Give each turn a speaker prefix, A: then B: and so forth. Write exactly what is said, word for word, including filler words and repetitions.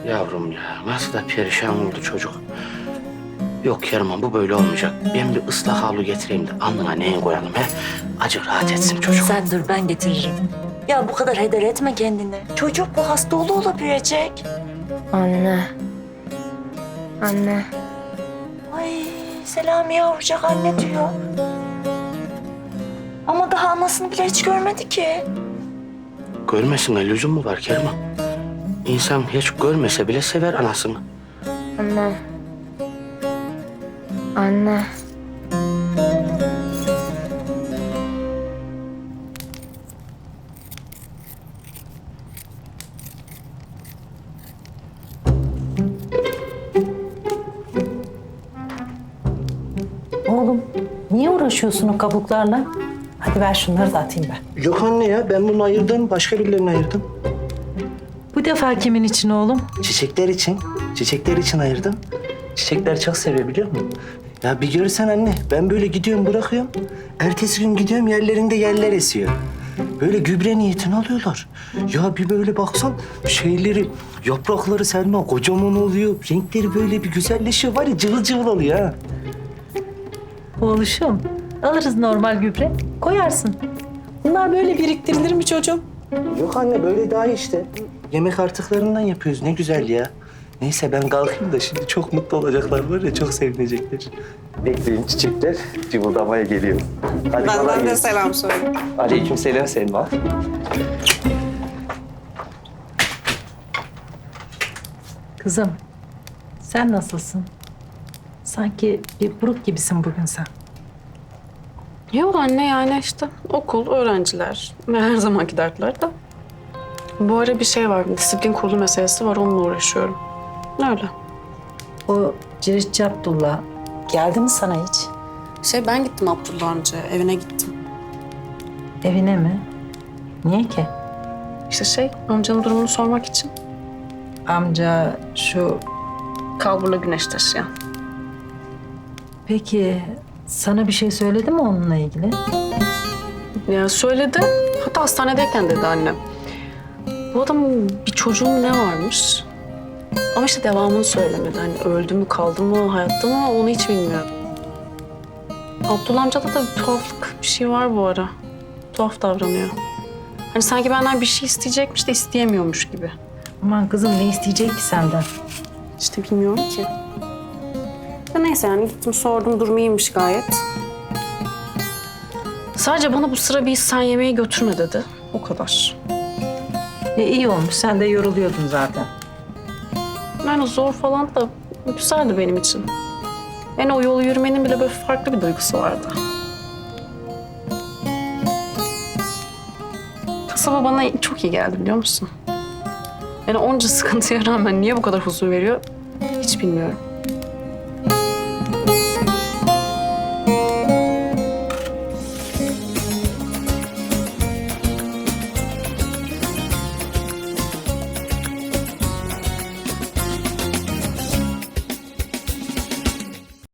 A: Yavrum ya nasıl da perişan oldu çocuk. Yok Kerman bu böyle olmayacak. Ben bir ıslak havlu getireyim de alnına neyin koyalım he? Acık rahat etsin çocuk.
B: Sen dur ben getiririm. Ya bu kadar heder etme kendini. Çocuk bu hasta olu olabilecek.
C: Anne. Anne.
B: Ay Selami yavrucak anne diyor. Ama daha anasını bile hiç görmedi ki.
A: Görmesine lüzum mu var Kerman? İnsan hiç görmese bile sever anasını.
C: Anne. Anne.
D: Oğlum niye uğraşıyorsun o kabuklarla? Hadi ver şunları da atayım ben.
A: Yok anne ya ben bunu ayırdım başka birilerine ayırdım.
D: Bu defa kimin için oğlum?
A: Çiçekler için. Çiçekler için ayırdım. Çiçekler çok seviyor biliyor musun? Ya bir görsen anne ben böyle gidiyorum bırakıyorum. Ertesi gün gidiyorum yerlerinde yerler esiyor. Böyle gübre niyetini alıyorlar. Ya bir böyle baksan şeyleri, yaprakları Selma kocaman oluyor. Renkleri böyle bir güzelleşiyor var ya cıvıl cıvıl oluyor ha.
D: Oğluşum alırız normal gübre koyarsın. Bunlar böyle biriktirilir mi çocuğum?
A: Yok anne böyle daha iyi işte. Yemek artıklarından yapıyoruz ne güzel ya. Neyse ben kalkayım da şimdi çok mutlu olacaklar var ya çok sevinecekler. Bekleyin çiçekler cıvıldamaya geliyor. Hadi
E: Benden de selam söyle.
A: Aleyküm selam Selma.
D: Kızım sen nasılsın? Sanki bir buruk gibisin bugün sen.
E: Yok anne yani işte okul, öğrenciler ve her zamanki dertler de. Bu ara bir şey var, disiplin kurulu meselesi var, onunla uğraşıyorum. Öyle.
D: O Ciritçi Abdullah geldi mi sana hiç?
E: Şey ben gittim Abdullah amca, evine gittim.
D: Evine mi? Niye ki?
E: İşte şey, amcanın durumunu sormak için.
D: Amca şu...
E: Kalburla güneş taşıyan.
D: Peki sana bir şey söyledi mi onunla ilgili?
E: Ya söyledi, hatta hastanedeyken dedi annem. Bu adamın bir çocuğun ne varmış? Ama işte devamını söylemedi. Hani öldü mü, kaldı mı, hayatta mı onu hiç bilmiyorum. Abdullah amcada da bir tuhaflık bir şey var bu ara. Tuhaf davranıyor. Hani sanki benden bir şey isteyecekmiş de isteyemiyormuş gibi.
D: Aman kızım ne isteyecek ki senden?
E: İşte bilmiyorum ki. Ya neyse yani gittim sordum, durumu iyiymiş gayet. Sadece bana bu sıra bir İhsan yemeği götürme dedi. O kadar.
D: E, iyi olmuş sen de yoruluyordun zaten.
E: Yani zor falan da güzeldi benim için. Yani o yolu yürümenin bile böyle farklı bir duygusu vardı. Kasaba bana çok iyi geldi biliyor musun? Yani onca sıkıntıya rağmen niye bu kadar huzur veriyor hiç bilmiyorum.